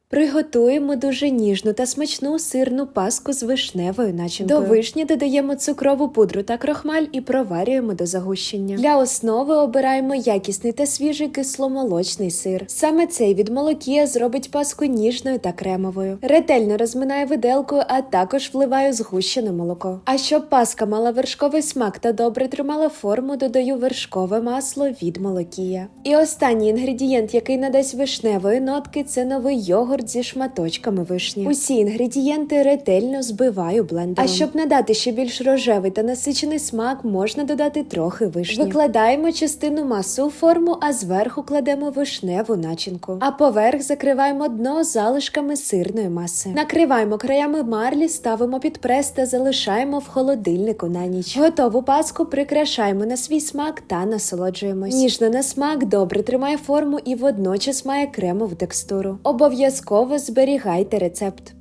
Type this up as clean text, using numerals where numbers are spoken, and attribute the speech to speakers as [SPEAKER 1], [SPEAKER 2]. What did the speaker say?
[SPEAKER 1] Приготуємо дуже ніжну та смачну сирну паску з вишневою начинкою. До вишні додаємо цукрову пудру та крохмаль і проварюємо до загущення. Для основи обираємо якісний та свіжий кисломолочний сир. Саме цей від Молокія зробить паску ніжною та кремовою. Ретельно розминаю виделкою, а також вливаю згущене молоко. А щоб паска мала вершковий смак та добре тримала форму, додаю вершкове масло від Молокія. І останній інгредієнт, який надасть вишневої нотки, це новий йогурт зі шматочками вишні. Усі інгредієнти ретельно збиваю блендером. А щоб надати ще більш рожевий та насичений смак, можна додати трохи вишні. Викладаємо частину маси у форму, а зверху кладемо вишневу начинку. А поверх закриваємо дно залишками сирної маси. Накриваємо краями марлі, ставимо під прес та залишаємо в холодильнику на ніч. Готову паску прикрашаємо на свій смак та насолоджуємось. Ніжно на смак, добре тримає форму і водночас має кремову текстуру. Обов'язково зберігайте рецепт.